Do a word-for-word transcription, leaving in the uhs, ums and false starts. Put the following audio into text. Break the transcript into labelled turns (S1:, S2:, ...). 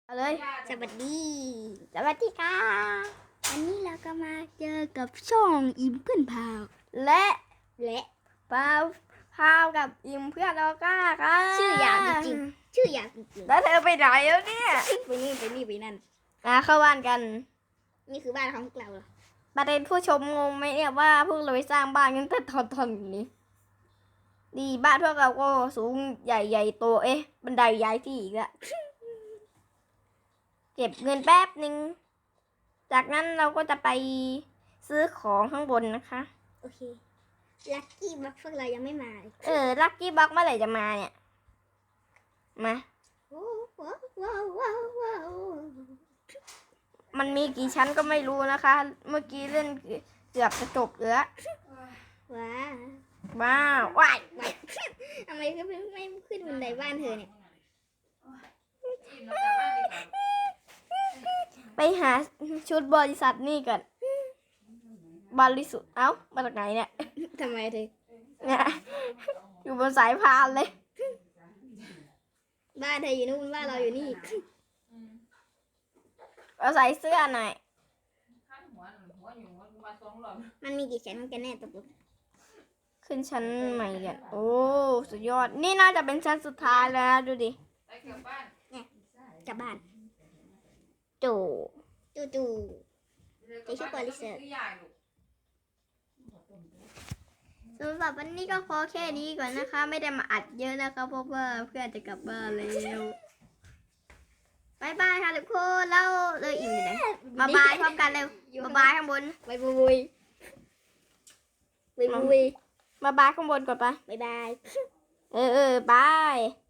S1: เอาเลย
S2: สวัสดี
S1: สวัสดีค่ะ
S2: วันนี้เราก็มาเจอกับช่องอิมเพื่อนพาว
S1: และ
S2: และ
S1: พาวพาวกับอิมเพื่อนเราก้าค่ะ
S2: ชื่อยาวจริงๆชื่อยาวจริง
S1: แล้วเธอไปไหนแล้วเนี่ย
S2: ๆไปนี่ไปนี่ไปนั่น
S1: มาเข้าบ้านกัน
S2: นี่คือบ้านของพวกเราเหรอ
S1: ประเด็นผู้ชมงงไหมเนี่ยว่าพวกเราไปสร้างบ้านกันแต่ตอนตอนนี้ดีบ้านพวกเราก็สูงใหญ่ใหญ่โตเอ๊ะบันไดย้ายที่อีกแล้วเก็บเงินแป๊บหนึ่งจากนั้นเราก็จะไปซื้อของข้างบนนะคะ
S2: โอเคลัคกี้บัคพวกเรายังไม่มาเลย
S1: เออลัคกี้บ็อกเมื่อไหร่จะมาเนี่ยมา
S2: โอ้ว้าวว้าวว้าวว้าว
S1: มันมีกี่ชั้นก็ไม่รู้นะคะ เมื่อกี้เล่นเกือบจะจบแล้ว
S2: ว้าว
S1: ว้าวว้าย
S2: ทำไมก็ไม่ไม่ขึ้นบันไดบ้านเธอเนี่ย
S1: ไปหาชุดบริษัทนี่ก่อนบริสุทธิ์เอ้ามาจากไหนเนี่ย
S2: ทำไมเธอ
S1: เนี่ยอยู่บนสายพานเลย
S2: บ้านเธออยู่นู่นบ้านเราอยู่นี่
S1: เอาใส่เสื้อหน่อย
S2: มันมีกี่ชั้นกันแน่ตกลง
S1: ขึ้นชั้นใหม่กันโอ้สุดยอดนี่น่าจะเป็นชั้นสุดท้ายแล้วนะดูดิ
S2: กลับบ้าน
S1: โจ
S2: จู่จู่ไปชื่อบริษัท
S1: สำหรับวันนี้ก็พอแค่นี้ก่อนนะคะ ไม่ได้มาอัดเยอะนะคะเพราะว่าเพื่อนจะกลับบ้านแล้วบายบายค่ะทุกคนแล้วเลยอิ่มอยู่ไหนมาบายพร้อมกันเร็วมาบายข้างบน
S2: บายบุยบายบุย
S1: มาบายข้างบนก่อนปะ
S2: บายบาย
S1: เออเออบาย